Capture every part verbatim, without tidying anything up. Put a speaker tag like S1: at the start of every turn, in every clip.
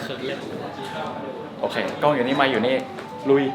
S1: ขินเลย
S2: โอเคกล้องอยู่นี่มาอยู่นี่ลุย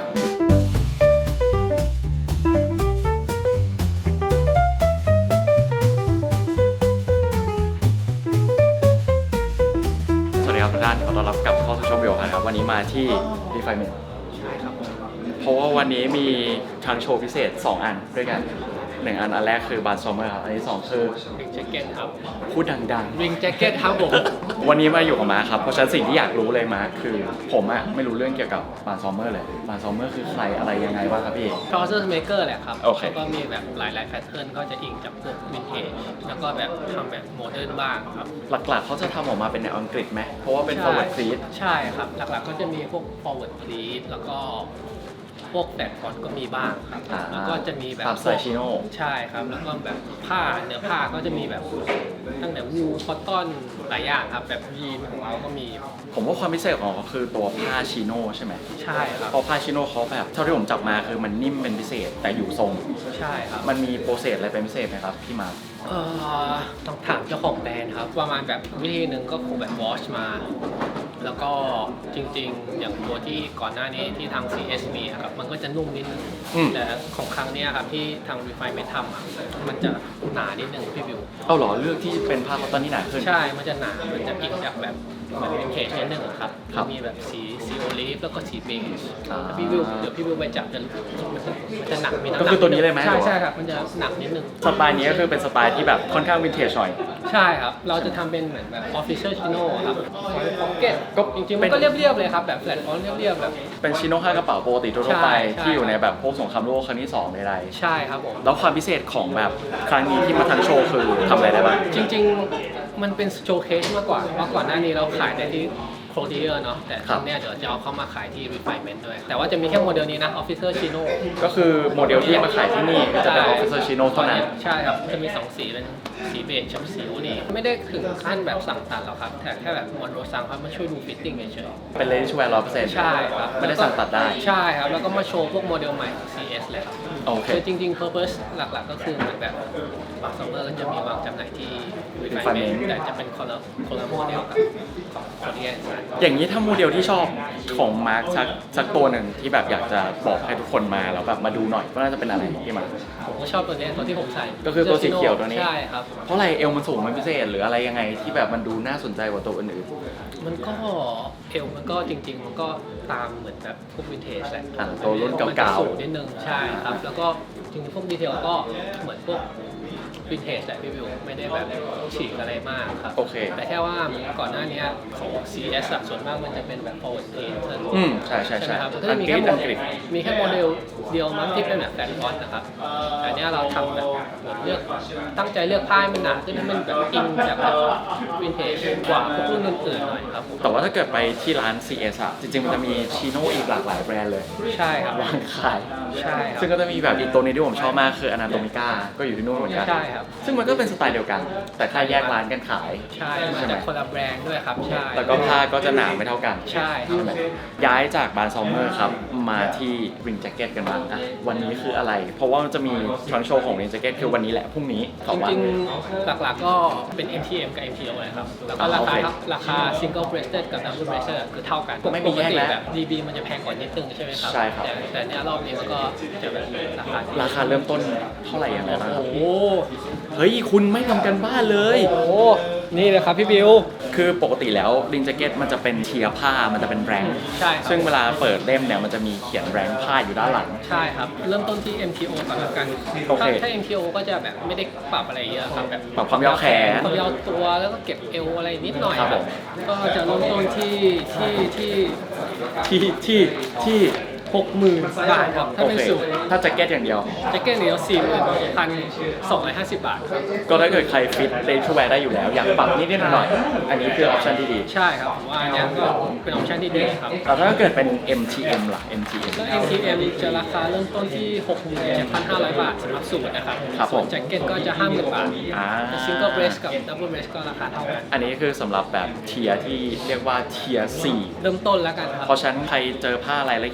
S2: สวัสดีครับทุกท่านขอต้อนรับกลับเข้าสู่ช่องวิวครับวันนี้มาที่ Refinement
S1: ใช่ครับ
S2: เพราะว่าวันนี้มีทางโชว์พิเศษสองอันด้วยกันหนึ่งอันอันแรกคือบาร์ซอมเมอร์ครับอันที่สองคือ
S1: ริงแจ็คเก็ตครับ
S2: พูดดัง
S1: ๆริงแจ็คเก็ตครับผม
S2: วันนี้มาอยู่กับมาครับเพราะฉะนั้นสิ่งที่อยากรู้เลยมาคือผมอะไม่รู้เรื่องเกี่ยวกับบาร์ซอมเมอร์เลยบาร์ซอมเมอร์คือใครอะไรยังไงบ้างครับพี่
S1: Process Maker แหละครับ
S2: โอเค
S1: แล้วก็มีแบบหลายๆแพทเทิร์นก็จะอิงจากพวกวินเทจแล้วก็แบบทำแบบโมเดิร์นบ้างครับ
S2: หลักๆเขาจะทำออกมาเป็นแนวอังกฤษไหมเพราะว่าเป็น forward pleat
S1: ใช่ครับหลักๆก็จะมีพวก forward pleat แล้วก็พวกแบบฟอนต์ก็มีบ้างครับแล้วก็จะมีแบบ
S2: ตามสไตล์ชิโน่
S1: ใช่ครับแล้วก็แบบผ้าเนื้อผ้าก็จะมีแบบตั้งแต่วูลคอตตอนหลายอย่างครับแบบยีนของเราก็มี
S2: ผมว่าความพิเศษของเขาคือตัวผ้าชิโน่ใช่ไหม
S1: ใช่ครับ
S2: เพราะผ้าชิโน่เขาแบบเท่าที่ผมจับมาคือมันนิ่มเป็นพิเศษแต่อยู่ทรง
S1: ใช่ครับ
S2: มันมีโปรเซสอะไรเป็นพิเศษไหมครับพี่มาร์ค
S1: เอ่อต้องถามเจ้าของแบรนด์ครับประมาณแบบวิธีหนึ่งก็คงแบบวอชมาแล้วก็จริงๆอย่างตัวที่ก่อนหน้านี้ที่ทาง ซี เอส มีครับมันก็จะนุ่มนิดนึงแต่ของครั้งนี้ครับที่ทาง Refinement ทำอ่ะมันจะหนานิดนึงพี่บิว
S2: เอาหรอเลือกที่เป็นผ้าคอตตอนที่หนาขึ้น
S1: ใช่มันจะหนามันจะอิงจากแบบเหมือนวินเทจนิดนึงครับมีแบบสีสีโอลิฟแล้วก็สีเบจถ้าพี่บิวเดี๋ยวพี่บิวไปจับจะมันจะมันจะหนักมีน้ำหนัก
S2: ก็คือตัวนี้เลยไหม
S1: ใช่ใช่ครับมันจะหนักนิดนึง
S2: สไตล์นี้ก็คือเป็นสไตล์ที่แบบค่อนข้างวินเทจหน่อย
S1: ใช่ครับเราจะทำเป็นเหมือนแบบ official chino ครับพ็อกเก็ตก็จริงๆมันก็เรียบๆเลยครับแบบแฟลตฟอนต์เรียบๆแบบ
S2: เป็นชิโน่ห้ากระเป๋าปกติทั่วไปที่อยู่ในแบบพวกสงครามโลกครั้งที่สองใดๆ
S1: ใช่ครับผม
S2: แล้วความพิเศษของแบบครั้งนี้ที่มาทางโชว์คือทำอะไรได้บ้าง
S1: จริงๆมันเป็นโชว์เคสมากกว่าเพราะก่อนหน้านี้เราขายได้ที่โคลเดียร์เนาะแต่ครั้งนี้เดี๋ยวจะเอาเข้ามาขายที่ Refinement ด้วยแต่ว่าจะมีแค่โมเดลนี้นะ Officer Chino
S2: ก็คือโมเดลที่มาขายที่นี่จะเป็น Officer Chino เท่านั้น
S1: ใช่ครับจะมีสองสีเป็นสีเบจกับสีนี่ไม่ได้ถึงขั้นแบบสั่งตัดหรอกครับแต่แค่แบบมอนโรซังเขามาช่วยดูฟิตติ้งเฉย
S2: ๆเป็น ready to wear ร้อยเปอร์เซ็นต์
S1: ใช่ครับ
S2: ไม่ได้สั่งตัดได้
S1: ใช่ครับแล้วก็มาโชว์พวกโมเดลใหม่ของ ซี เอส เลยครับ
S2: โอเค
S1: คือจริงๆ purpose หลักๆก็คือเหมือนแบบบางซัมเมอร์ก็จะมีวางจำหน่ายที่ Refinement แต่จะเป็นคนละคนละโมเดลกับของโคเรีย
S2: อย่างนี้ถ้าโมเดลที่ชอบของมาร์คสักสักตัวหนึ่งที่แบบอยากจะบอกให้ทุกคนมาแล้วแบบมาดูหน่อยก็น่าจะเป็นอะไรที่มา
S1: ผมก็ชอบตัวนี้ตัวที่ผมใส่
S2: ก็คือตัวสีเขียวตัวนี้
S1: ใช่ครับ
S2: เพราะอะไรเอวมันสูงมันพิเศษหรืออะไรยังไงที่แบบมันดูน่าสนใจกว่าตัวอื่น
S1: ๆมันก็เอวมันก็จริงๆมันก็ตามเหมือนแบบพวกวินเทจแหละ
S2: ตัวรุ่นเก่า
S1: ๆสูงนิดนึงใช่ครับแล้วก็จริงๆพวกดีเทลก็เหมือนพวกวินเทจแหละพี่วิวไม่ได้แบบฉีกอะไรมากครับ
S2: โอเค
S1: แต่แค่ว่าก่อนหน้านี้ของ ซี เอส ส่วนมากมันจะเป็นแบบ forward pleat
S2: อืมใช่ใช่ใช่
S1: ครับก็จะมีแค่โมเดลมีแค่โมเดลเดียวมั้งที่เป็นแบบแฟนฟอนต์นะครับแต่เนี้ยเราทำแบบเลือกตั้งใจเลือกผ้าให้มันหนาขึ้นให้มันแบบอิงจากแบบวินเทจกว่าพวกรุ่นอื่นๆหน่อยครับ
S2: แต่ว่าถ้าเกิดไปที่ร้าน ซี เอส อะจริงๆมันจะมีชิโน่อีกหลากหลายแบรนด์เลย
S1: ใช่ครับ
S2: วางขาย
S1: ใช่
S2: ซึ่งก็จะมีแบบอีกตัวนี้ที่ผมชอบมากคืออนาโตมิก้าก็อยู่ที่นู่นเหมือนกัน
S1: ใช่ครับ
S2: ซึ่งมันก็เป็นสไตล์เดียวกันแต่แค่แยกร้านกันขาย
S1: ใช่มาจากคนละแบรนด์ด้วยครับใช่
S2: แล้วก็ผ้าก็จะหนาไม่เท่ากัน
S1: ใช่ใช่ไหม
S2: ย้ายจากบาร์ซอมเมอร์ครับมาที่ริงแจ็คเก็ตกันบ้างอ่ะวันนี้คืออะไรเพราะว่ามันจะมีทรั้งโชว์ของริงแจ็คเก็ตคือวันนี้แหละพรุ่งนี้
S1: จริงๆหลักๆก็เป็น เอ็ม ที เอ็ม กับ เอ็ม ที โอ เลยครับแล้วก็ราคาราคา single breasted กับ double breasted คือเท่ากัน
S2: ไม่มีแยกแล้ว
S1: แบบ ดี บี มันจะแพงกว่านิดนึงใช่ไหมครับ
S2: ใช่ครับ
S1: แต่แต่เนี้ยรอบนี้มันก็จะแบบราคา
S2: ราคาเริ่มต้นเท่าไหร่ยังไงบ้างครับ
S1: โอ้
S2: เฮ้ยคุณไม่ทำกันบ้านเลย
S1: โอ้นี่เลยครับพี่บิว
S2: คือปกติแล้วริงแจ็คเก็ตมันจะเป็นเทียร์ผ้ามันจะเป็นแรง
S1: ใช่
S2: ซึ่งเวลาเปิดเล่มเนี่ยมันจะมีเขียนแรงผ้าอยู่ด้านหลัง
S1: ใช่ครับเริ่มต้นที่ เอ็ม ที โอ ก่อนละกันถ้าถ้า เอ็ม ที โอ ก็จะแบบไม่ได้ปรับอะไรเยอะครับแบบ
S2: ปรับความยาวแขน
S1: ความยาวตัวแล้วก็เก็บเอวอะไรนิดหน่อยครับก็จะเริ่มต้นที่ที่ที่
S2: ที่ที่ที่
S1: หกหมื่นบาทครับถ้าเป็นสูตร
S2: ถ้าแจ็คเก็ตอย่างเดียว
S1: แจ็คเก็ตเดียวสี่หมื่นพันสองร้อยห้าสิบบาทครับ
S2: ก็ถ้าเกิดใครฟิตเรนชูแวร์ได้อยู่แล้วอยากปรับนิดนิดหน่อยอันนี้คือออปชันที่ดี
S1: ใช่ครับผมว่าอันนี้ก็เป็นออปชันที่ดีครับ
S2: แต่ถ้าเกิดเป็น เอ็ม ที เอ็ม ล่ะ เอ็ม ที เอ็ม
S1: ก็ เอ็ม ที เอ็ม จะราคาเริ่มต้นที่ หกหมื่นเจ็ดพันห้าร้อย บาทสำหรับสูตรนะครับส่วนแจ็คเก็ตก็จะ ห้าหมื่น บาทซิงเกิลเบรสกับดับเบิลเบรสก็ราคาเท่ากัน
S2: อันนี้คือสำหรับแบบเทียร์ที่เรียกว่าเทียร์สี่
S1: เริ่มต้นแล้วกันครับ
S2: เพราะฉะนั้นใครเจอผ้าอะไรแล้วเขียนว่าเลข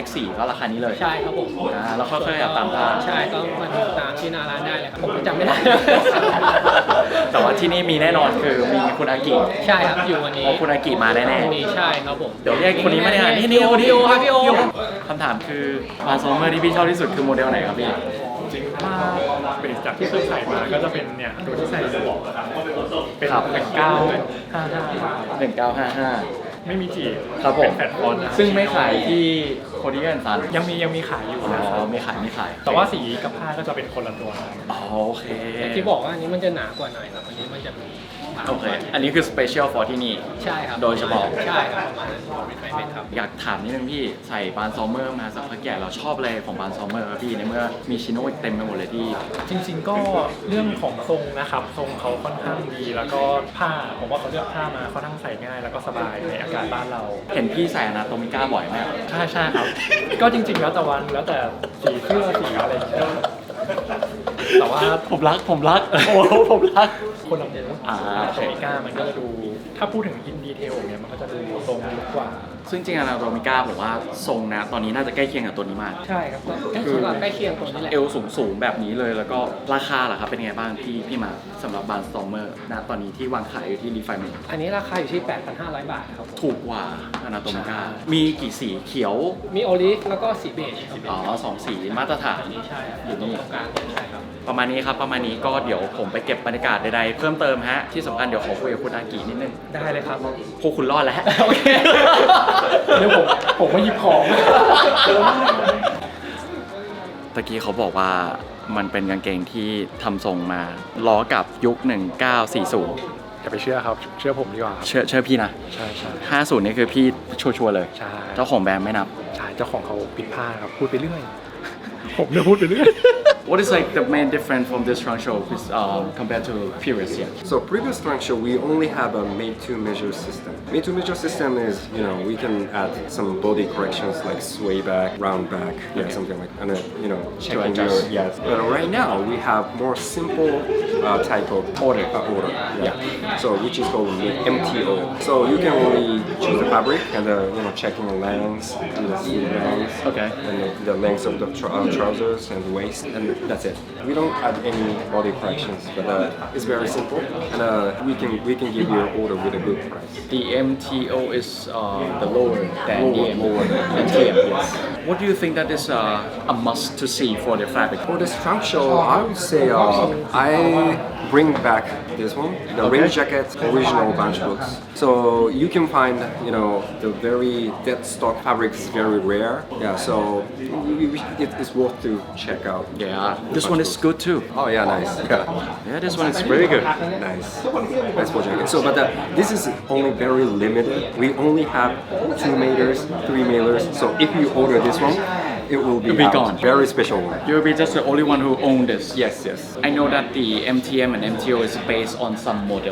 S2: สี่ก็ราคานี้เลย
S1: ใช่ครับผม
S2: อ่าแล้วค่อยๆเอาตามผ้า
S1: ใช่ก็มาดูตามที่หน้าร้านได้เลยครับผมก็จำไม่ได้
S2: แต่ว่าที่นี่มีแน่นอนคือมีคุณอากิ
S1: ใช่ครับอยู่วันนี้
S2: เพราะคุณอากิมาแน่
S1: มีใช่ครับผม
S2: ๆเดี๋ยวเรียกคนนี้มาเนี่ยนี่
S1: พี่โอพี่โอครับพี่โอ
S2: คำถามคือมาโซเมอร์ที่พี่ชอบที่สุดคือโมเดลไหนครับพี่
S3: จริงถ้าเป็นจากที่เคยใส่มาก็จะเป็นเนี่ยตัวที่ใส่อยู่เป็น
S2: ครับ
S3: หนึ่งเก้าห้าห้า
S2: หนึ่งเก้าห้าห้า
S3: ไม่มีจีบ
S2: ครับผม
S3: เป็นแฟลตฟอนต์นะ
S2: ซึ่งไม่ขายที่โคดิเอนซัน
S3: ยังมียังมีขายอยู่
S2: อ๋
S3: นะครับ
S2: อไม่ขายไม่ขาย
S3: แต่ว่าสีกับผ้าก็จะเป็นคนละตัวกัน
S2: อ๋อโอเค
S1: อย่างที่บอกว่าอันนี้มันจะหนากว่าหน่อยครับอันนี้มันจะมีบาง
S2: โอเค อันนี้คือสเปเชียลฟอร์ที่นี่
S1: ใช่ครับ
S2: โดยเฉพาะ
S1: ใช่ครับประมาณนั้นไม่เป็นครับ
S2: อยากถามนิดนึงพี่ใส่บานซอมเมอร์มาสักพักใหญ่เราชอบอะไรของบานซอมเมอร์ครับพี่ในเมื่อมีชิโน่อีกเต็มไปหมดเลยที่
S3: จริง ๆ ก็เรื่องของทรงนะครับทรงเขาค่อนข้างดีแล้วก็ผ้าผมว่าเขาเลือกผ้ามาค่อนข้างใส่ง่ายแล้วก็สบายในอากาศบ้านเรา
S2: เห็นพี่ใส่อนาโตมิก้าบ่อยไหมครับ
S3: ใช่ใช่ครับ ก็จริง ๆ แล้วแต่วันแล้วแต่สีเสื้อสีอะไรอย่างเงี้ยแต่ว่า
S2: ผมรักผมรักโอ้โหผมรัก
S3: คนละหมู
S2: อ่า
S3: โตมิก้ามันก็จะดู ถ้าพูดถึงอินดีเทลเนี่ยมันก็จะดูทรงลึกกว่า
S2: ซึ่งจริงๆอนาโตมิก้าผมว่าทรงนะตอนนี้น่าจะใกล้เคียงกับตัวนี้มาก
S3: ใช่ครับ
S1: ใกล้เคียงกับใกล้เคียงตัวนี้แหละ
S2: เอวสูงสูงๆแบบนี้เลยแล้วก็ราคาล่ะครับเป็นไงบ้างพี่พี่มาสำหรับบานซอมเมอร์นะตอนนี้ที่วางขายอยู่ที่รีไฟเมน
S1: อันนี้ราคาอยู่ที่ แปดพันห้าร้อย บาทครับผม
S2: ถูกกว่าอนาโตมิก้ามีกี่สีเขียว
S1: มีโอลิฟแล้วก็สีเบจครับ
S2: อ๋อสองสีมาตรฐาน
S1: อันนี้ใช่ครับ
S2: อยู่นี่
S1: ตรงกลางใช่ครับ
S2: ประมาณนี้ครับประมาณนี้ก็เดี๋ยวผมไปเก็บบรรยากาศใดๆเพิ่มเติมฮะที่สำคัญเดี๋ยวขอคุยกับคุณอากินิดนึง
S3: ได้เลยครับ
S2: พวกคุณรอดแล้ว
S1: โอเค
S3: เดี๋ยวผมผมมาหยิบของ
S2: ตะกี้เขาบอกว่ามันเป็นกางเกงที่ทำทรงมาล้อกับยุคหนึ่งเก้าสี่ศูนย์
S3: อย่าไปเชื่อครับ เชื่อผมดีกว่าครับ
S2: เชื่อเชื่อพี่นะ
S3: ใช่ใช่
S2: ห้าศูนย์นี่คือพี่ชัวร์ๆเลย
S3: ใช่
S2: เจ้าของแบรนด์ไม่นับ
S3: ใช่เจ้าของเขาปิดผ้าครับพูดไปเรื่อย ผมเนี่ยพูดไปเรื่อย
S2: What is like the main difference from this trunk show with, um, compared to previous year?
S4: So previous trunk show, we only have a made-to-measure system. Made-to-measure system is, you know, we can add some body corrections like sway back, round back, yeah,
S2: Okay.
S4: something like, and uh, you know, checking
S2: adjust.
S4: your yes. But right now we have more simple uh, type of order, uh, order, yeah. So which is called M T O. So you can only choose the fabric and the, you know, checking the lengths, and the sleeve length,
S2: Okay.
S4: and the, the length of the tr- uh, trousers and the waist, and that's it. We don't add any body corrections, but uh, it's very simple, and uh, we can we can give you an order with a good price.
S2: The M T O is uh, the lower than the
S4: Lower,
S2: M-
S4: lower than
S2: M T M. Yes. What do you think that is uh, a must to see for the fabric?
S4: For this trunk show, I would say uh, I bring back this one, the
S2: Okay.
S4: rain jacket original bunch books. So you can find, you know, the very dead stock fabric is very rare. Yeah, so we- we- it is worth to check out.
S2: Yeah, this one is good too.
S4: Oh yeah, nice. Yeah.
S2: Yeah, this one is very good.
S4: Nice, nice for jacket. So, but uh, this is only very limited. We only have two meters, three meters. So if you order this one, it will be,
S2: It'll be
S4: out.
S2: gone.
S4: Very special one.
S2: You'll be just the only one who own this.
S4: Yes, yes.
S2: I know that the M T M and M T O is based on some model.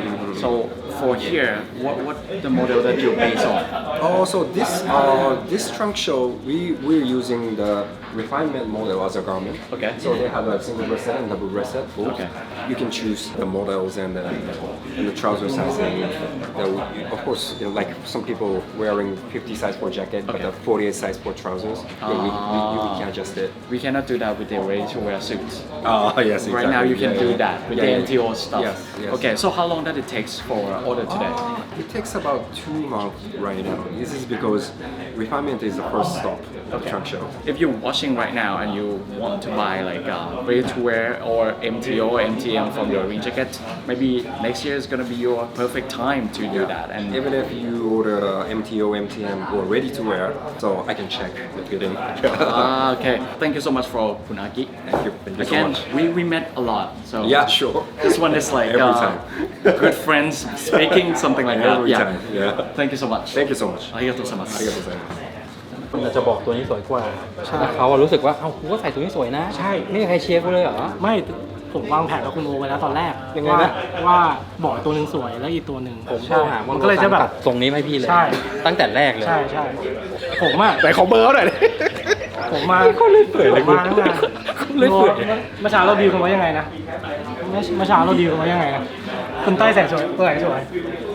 S2: So for here, what what the model that you base on?
S4: Oh, so this uh, this trunk show, we we're using the refinement model as a garment.
S2: Okay.
S4: So they have a single breasted and double breasted. both.
S2: Okay.
S4: You can choose the models and the and the trouser size. And the, of course, you know, like some people wearing fifty size for jacket, but
S2: Okay.
S4: the forty-eight size for trousers. Yeah, we, we, we can adjust it.
S2: We cannot do that with the ready-to-wear suits.
S4: Oh yes, exactly.
S2: Right now you can
S4: Yeah,
S2: do
S4: yeah.
S2: that with
S4: Yeah,
S2: the
S4: yeah.
S2: M T O stuff.
S4: Yes, yes.
S2: Okay, so how long does it take for order today?
S4: Uh, it takes about two months right now. This is because refinement is the first stop of the trunk show.
S2: If you're watching right now and you want to buy like uh, ready-to-wear or M T O or M T M from your rain jacket, maybe next year is gonna be your perfect time to do that. And
S4: Even if you order uh, M T O, M T M or ready to wear, so I can check the fitting.
S2: Ah, okay. Thank you so much for Punaki.
S4: Thank you. Thank you so
S2: Again,
S4: much.
S2: we, we met a lot. So
S4: Yeah, sure.
S2: this one is like
S4: Every
S2: uh,
S4: time.
S2: good friends speaking, something like that.
S4: Every
S2: Yeah.
S4: time. Yeah.
S2: Thank you so much.
S4: Thank you so much.
S2: ありがとうございます。
S4: ありがとうございます。
S5: คนอาจจะบอกตัวนี้สวยกว่าแต่เขาอะรู้สึกว่า เอ้ากูก็ใส่ตัวนี้สวยนะ
S3: ใช่
S5: ไม่มีใครเชียร์กูเลยเหรอ
S3: ไม่ผมวางแผนกับคุณโอไว้แล้วตอนแรก
S5: ยังไง
S3: ว่า
S5: นะ
S3: ว่าบอกตัวหนึ่งสวยแล้วอีกตัวหนึ่ง
S5: ผม
S3: ใช่
S5: โทรหา
S3: มันก็เลยจะแบบ
S5: ตัดทรงนี้มาให้พี่เลย
S3: ใช่
S5: ตั้งแต่แรกเลย
S3: ใช่ใช่ผมอ่ะแต่ขอเบอร์หน่อยผมมา
S5: เขาเล่นเปื่อยเลย
S3: ผมมาตั้งนาน
S5: เขาเล่นเปื่อย
S3: เมื่อเช้าเราดีลกันไว้ยังไงนะเมื่อเมื่อเช้าเราดีลกันไว้ยังไงนะคุณเต้ยใส่สวยตัวไหนสวย
S5: ต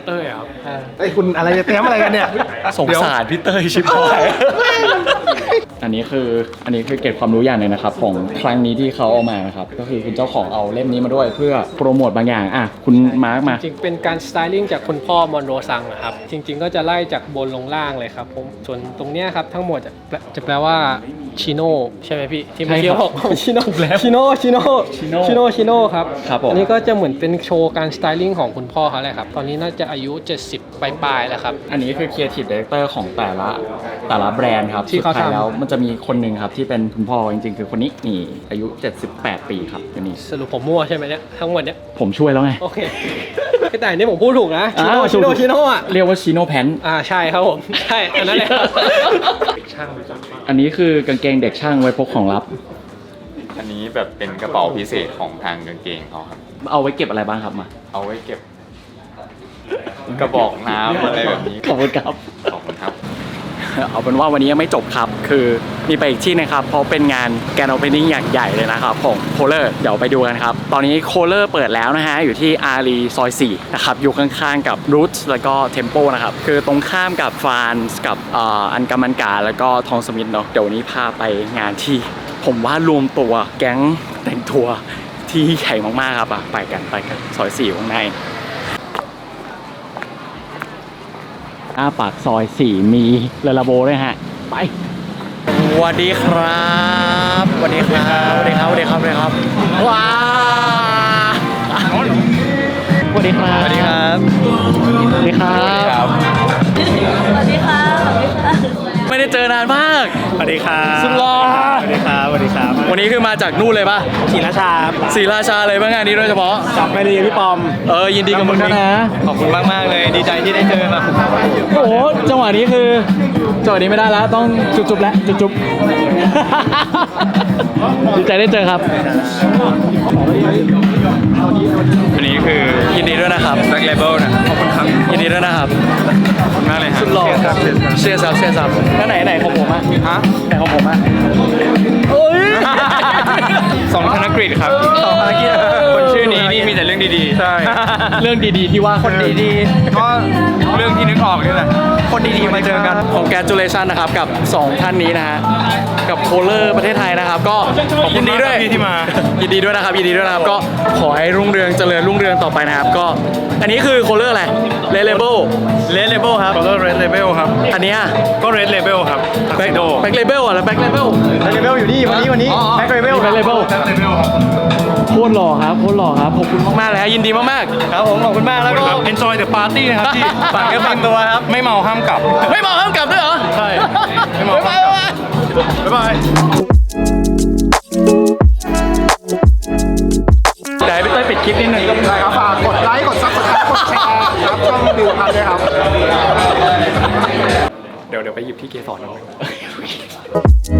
S3: เต้ยครับ
S6: เอ้ยคุณอะไรจะเตรียมอะไรกันเนี่ย
S2: สงสารพี่เต้ยชิบหาย อันนี้คืออันนี้คือเก็บความรู้อย่างหนึงนะครับของครั้งนี้ที่เขาเอามานะครับก็คือคุณเจ้าของเอาเล่มนี้มาด้วยเพื่อโปรโมทบางอย่างอ่ะคุณมาร์กมา
S1: จริงๆเป็นการสไตลิ่งจากคุณพ่อมอนโรซังอะครับ จริง ๆ ก็จะไล่จากบนลงล่างเลยครับผมส่วนตรงเนี้ยครับทั้งหมดจะแปลจะแปลว่าชิโน่ใช่ไหมพี่ ที่เมื่อกี้
S2: ใช่ครับ
S1: บอกชิโน่ชิโน่ชิโน่
S2: ชิโน่
S1: ชิโน่ชิโน่ครับ
S2: ครับผม
S1: อันนี้ก็จะเหมือนเป็นโชว์การสไตลิ่งของคุณพ่อเขาแหละครับ ตอนนี้น่าจะอายุ เจ็ดสิบปลายๆแล้วครับ
S2: อันนี้คือ Creative Director ของแต่ละแต่ละแบรนด์ครับ
S1: ที่เขา
S2: สุดท้าย
S1: ทำ
S2: แล้วมันจะมีคนหนึ่งครับที่เป็นคุณพ่อจริงๆ คือคนนี้นี่อายุ เจ็ดสิบแปด ปีครับคนนี้
S1: สรุปผมมั่วใช่ไหมเนี่ยทั้งหมดเนี่ย
S2: ผมช่วยแล้วไง
S1: โอเค แต่อันนี้ผมพูดถูกนะชิโน่
S2: อ่า
S1: ชิโน่
S2: ถูก
S1: ชิโน่อะ
S2: เรียกว่าชิโนแพน
S1: อ่าใช่ครับผมใช่อันนั้นแหละครับ
S2: อันนี้คือกางเกงเด็กช่างไว้พกของลับ
S7: อันนี้แบบเป็นกระเป๋าพิเศษของทางกางเกงเขาครับ
S2: เอาไว้เก็บอะไรบ้างครับมา
S7: เอาไว้เก็บ กระบอกน้ำอะไรแบบนี้
S2: ขอบคุณครับ
S7: ขอบคุณครับ
S2: เอาเป็นว่าวันนี้ยังไม่จบครับ คือมีไปอีกที่นะครับ เพราะเป็นงานแกนโอเพนนิ่งอย่างใหญ่เลยนะครับของโคเลอร์เดี๋ยวไปดูกันครับ ตอนนี้โคเลอร์เปิดแล้วนะฮะ อยู่ที่อารีซอยสี่นะครับ อยู่ข้างๆกับรูทแล้วก็เทมโปนะครับ คือตรงข้ามกับฟานส์กับเอ่ออันกามันกาแล้วก็ทองสมิธเนาะเดี๋ยววันนี้พาไปงานที่ ผมว่ารวมตัวแก๊งแต่งทัวร์ที่ใหญ่มากๆครับอ่ะไปกันไปกันซอยสี่ข้างใน หน้าปากซอยสี่มีลาลาโบด้วยฮะ ไปสวัสดีครับสวัสดีครับสวัสดีครับสวัสดีครับสวัสดีครับว้าสวัสดีครับสวัสดีครับสวัสดีครับ
S8: สวัสดีค่ะ สวัสดีค่ะ
S2: ไม่ได้เจอนานมาก
S3: สวัสดีครับ
S2: สุดหล่อ
S3: สวัสดีครับสวัสดีครับ
S2: วันนี้คือมาจากนู่นเลยป่ะ
S3: ศรีราชา
S2: ศรีราชาเลยป่ะงานนี้โดยเฉพาะ
S3: กลับไปเรียนพี่ปอม
S2: เออยินดีกับมึงด้วยนะ
S3: ขอบคุณมากมากๆเลยดีใจที่ได้เจอมา
S2: โอ้โหจังหวะนี้คือจังหวะนี้ไม่ได้แล้วต้องจุบๆแล้วจุบๆ ดีใจได้เจอครับ
S7: อันนี้คือ
S2: ยินดีด้วยนะครับ
S7: Black Label นะขอบคุณครับ
S2: ยินดีด้วยนะครับ
S7: ขอบคุณมากเลยครับ
S2: สุดหล่อเชียร์ซับเชียร์ซับแล้วไหนไหนของผมอ่ะฮะไหนของผมอ่ะโอ้ย
S7: สองธนกฤษครับ
S2: สองธนกฤษ
S7: คนชื่อนี้นี่มีแต่เรื่องดีๆ ใช่
S2: เรื่องดีๆที่ว่าคนดี
S7: ก็เรื่องที่นึกออกนี่แหละ
S2: คนดีๆมาเจอกันของแกจูเลชันนะครับกับสองท่านนี้นะฮะกับโคเลอร์ประเทศไทยนะครับ ก็ยินดีด้วยที่มายินดีด้วยนะครับยินดีด้วยนะครับก็ขอให้รุ่งเรืองเจริญรุ่งเรืองต่อไปนะครับก็อันนี้คือโคเลอร์อะไรเลเลเบล
S3: เลดเลเบลครับ Color Red Label ครับ
S2: อันเนี้ย
S3: ก็ Red Label ครับ
S2: แบ็คแบ็คเลเบลอ่ะแล้วแบ็คเลเบล
S3: เลเบลอยู่นี่วันนี้วันนี้แบ็คเลเบล
S2: แบ็คเลเบลโคตรหล่อครับโคตรหล่อครับขอบคุณมากๆเลยฮะยินดีมาก
S3: ครับผมขอบคุณมากแล้วก็ Enjoy the party นะครับที่ฝากเนื้อฝากตัวครับ ไม่เมาห้ามกลับ
S2: ๆไม่บอกห้ามกลับด้วยเหรอ
S3: ใช่ ไม่เมาห้ามกลับ บ๊ายบาย
S2: ไหนพี่เต้ยปิดคลิปนิดนึง
S6: ได้ครับฝากกดไลค์ กดซับสไครต์กดแชร์ครับช่องดิวพันด้วยครับ
S2: เดี๋ยวเดี๋ยวไปหยิบที่เกสรเอา